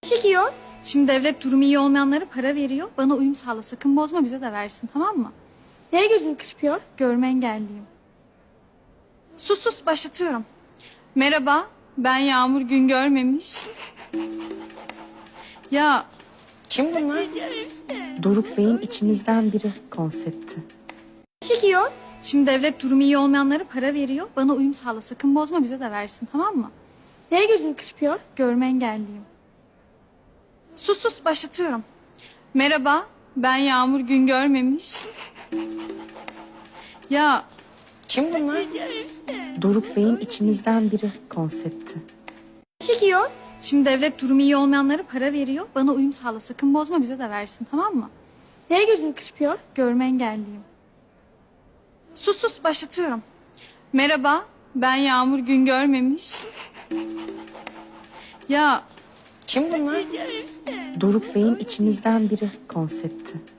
Çekiyor. Şimdi devlet durumu iyi olmayanlara para veriyor. Bana uyum sağla, sakın bozma, bize de versin, tamam mı? Neye gözünü kırpıyor? Görme engelliyim. Sus başlatıyorum. Merhaba, ben Yağmur gün görmemiş. Ya Kim bunlar? Doruk Bey'in içimizden biri konsepti. Çekiyor. şimdi devlet durumu iyi olmayanlara para veriyor. Bana uyum sağla, sakın bozma, bize de versin, tamam mı? Neye gözünü kırpıyor? Görme engelliyim. Sus başlatıyorum. Merhaba, ben Yağmur gün görmemiş. Ya Kim bunlar? Doruk Bey'in içimizden biri konsepti. Çekiyor. şimdi devlet durumu iyi olmayanlara para veriyor. Bana uyum sağla, sakın bozma, bize de versin, tamam mı? Neye gözünü kırpıyor? Görme engelliyim. Sus başlatıyorum. Merhaba, ben Yağmur gün görmemiş. Ya Kim bunlar? Doruk Bey'in içimizden biri konsepti.